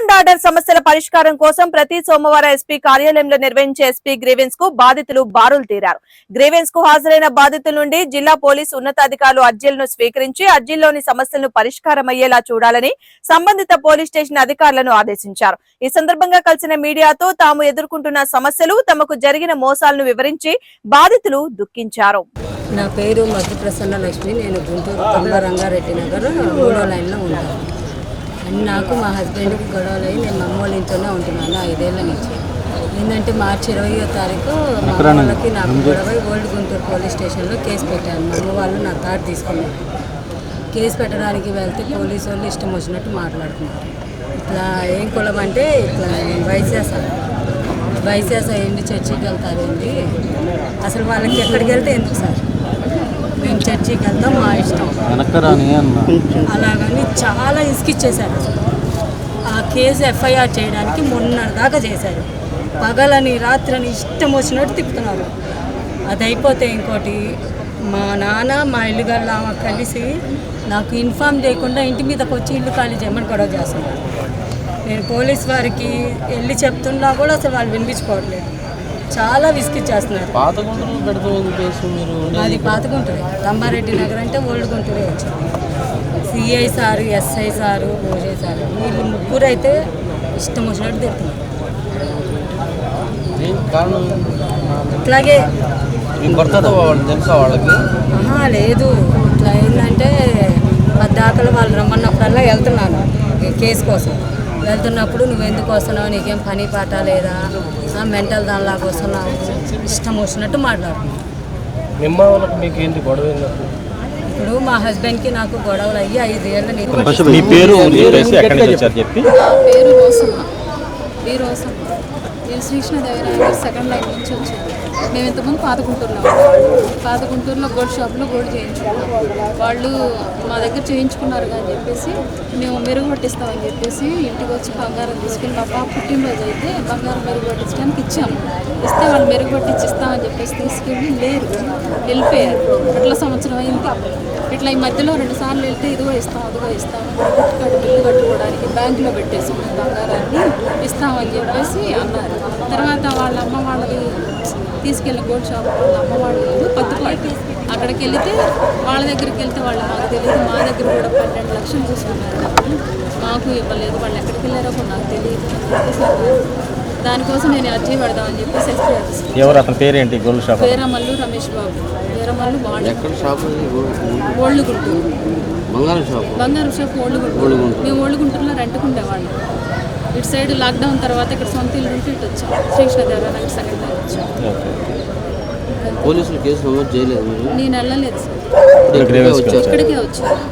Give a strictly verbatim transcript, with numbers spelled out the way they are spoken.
And order సమస్యల పరిష్కారం కోసం ప్రతి సోమవారం ఎస్పీ కార్యాలయంలో నిర్వహించే ఎస్పీ గ్రీవెన్స్ కు బాధితులు బారులు తీరారు. గ్రీవెన్స్ కు హాజరైన బాధితుల నుండి జిల్లా పోలీసు ఉన్నతాధికారులు అర్జీలను స్వీకరించి అర్జీల్లోని సమస్యలను పరిష్కారమయ్యేలా చూడాలని సంబంధిత పోలీస్ స్టేషన్ అధికారులను ఆదేశించారు. ఈ సందర్భంగా కలిసిన మీడియాతో తాము ఎదుర్కొంటున్న సమస్యలు, తమకు జరిగిన మోసాలను వివరించి బాధితులు దుఃఖించారు. నా పేరు మధు ప్రసన్న లక్ష్మి. నేను గుంటూరు తొంభ రంగారెడ్డి నగర్ మూడో లైన్లో ఉంటాను. అండ్ నాకు మా హస్బెండ్కి గొడవలు అయ్యి నేను అమ్మ వాళ్ళ ఇంట్లోనే ఉంటున్నాను ఐదేళ్ల నుంచి. ఏంటంటే మార్చి ఇరవయో తారీఖు మా వాళ్ళకి నాకు గొడవ ఓల్డ్ గుంటూరు పోలీస్ స్టేషన్లో కేసు పెట్టాను. మా అమ్మ వాళ్ళు నా తాడు తీసుకున్నారు. కేసు పెట్టడానికి వెళ్తే పోలీసు వాళ్ళు ఇష్టం వచ్చినట్టు మాట్లాడుతున్నారు. ఇట్లా ఏం కులం అంటే ఇట్లా వైశాస వైశాస ఏంటి చర్చికి వెళ్తారేంటి, అసలు వాళ్ళకి ఎక్కడికి వెళ్తే ఎందుకు సార్, మేము చర్చికి వెళ్తాం మా ఇష్టం అలాగని చాలా ఇసుకిచ్చేశారు. అసలు ఆ కేసు ఎఫ్ఐఆర్ చేయడానికి మొన్న దాకా చేశారు. పగలని రాత్రని ఇష్టం వచ్చినట్టు తిప్పుతున్నారు. అది అయిపోతే ఇంకోటి మా నాన్న మా ఇల్లు గల్లా కలిసి నాకు ఇన్ఫామ్ చేయకుండా ఇంటి మీదకి వచ్చి ఇల్లు ఖాళీ చేయమని గొడవ చేస్తున్నారు. నేను పోలీస్ వారికి వెళ్ళి చెప్తున్నా కూడా అసలు వాళ్ళు వినిపించుకోవట్లేదు. చాలా విసిగిచ్చేస్తున్నారు. అది పాత గుంటూరే, రంగారెడ్డి నగర్ అంటే ఓల్డ్ గుంటూరే వచ్చింది. సిఐ సారు, ఎస్ఐ సారు, ఓజే సారు వీళ్ళు ముగ్గురు అయితే ఇష్టం వచ్చినట్టు తిరుగుతున్నారు. ఇట్లాగే లేదు, ఇట్లా ఏంటంటే పద్దాకలు వాళ్ళు రమ్మన్నప్పుడల్లా వెళ్తున్నాను కేసు కోసం. వెళ్తున్నప్పుడు నువ్వు ఎందుకు వస్తున్నావు, నీకేం పని పాట లేదా, మెంటల్ దానిలాగా వస్తున్నావు, ఇష్టం వచ్చినట్టు మాట్లాడుతున్నావు. ఇప్పుడు మా హస్బెండ్కి నాకు గొడవలు అయ్యి ఐదేళ్ళ నేను శ్రీకృష్ణదేవరాయ సెకండ్ లైన్ నుంచి వచ్చాను. మేము ఇంతకుముందు పాత గుంటూరులో పాత గుంటూరులో గోల్డ్ షాప్లో గోల్డ్ చేయించుకున్నాం. వాళ్ళు మా దగ్గర చేయించుకున్నారు అని చెప్పేసి మేము మెరుగు పట్టిస్తామని చెప్పేసి ఇంటికి వచ్చి బంగారం తీసుకుని మా పాప పుట్టినరోజు అయితే బంగారం మెరుగు పట్టించడానికి ఇచ్చాము. ఇస్తే వాళ్ళు మెరుగు పట్టించి ఇస్తామని చెప్పేసి తీసుకెళ్ళి లేరు, వెళ్ళిపోయారు. అట్లా సంవత్సరం అయింది. ఇట్లా ఈ మధ్యలో రెండు సార్లు వెళ్తే ఇదిగో ఇస్తాం అదిగో ఇస్తాం క్రెడిట్ కార్డు బిల్లు కట్టుకోవడానికి బ్యాంకులో పెట్టేసుకున్న బంగారాన్ని ఇస్తామని చెప్పేసి అన్నారు. తర్వాత వాళ్ళ అమ్మ వాళ్ళది తీసుకెళ్ళిన గోల్డ్ షాప్ వాళ్ళ అమ్మ వాళ్ళు పత్తిపాటి అక్కడికి వెళితే వాళ్ళ దగ్గరికి వెళ్తే వాళ్ళు మాకు తెలియదు. మా దగ్గర కూడా పన్నెండు లక్షలు తీసుకున్నారు డబ్బులు, మాకు ఇవ్వలేదు. వాళ్ళు ఎక్కడికి వెళ్ళారో కూడా నాకు తెలియదు అని చెప్పేసి అన్నారు. దానికోసం నేను అర్జీ పెడదామని చెప్పేసి ఎస్పీ ఆఫీస్. ఎవరు అతని పేరేంటి? Gold shop Veeramallu Ramesh Babu. వీరమల్లు వాళ్ళు ఓల్డ్ గుంటూరు బంగారం షాప్ బంగారం షాప్ ఓల్డ్ గుంటూరు. మేము ఓల్డ్ గుంటూరులో రెంట్కుండేవాళ్ళం. ఇటు సైడ్ లాక్డౌన్ తర్వాత ఇక్కడ సొంత ఇల్లు ఉంటే ఇటు వచ్చాం. శ్రీకృష్ణదేవరాయ సెకండ్ టైం వచ్చాం. పోలీసులు కేసు నమోదు చేయలేదు? నేను వెళ్ళలేదు సార్, ఇక్కడికే వచ్చాను.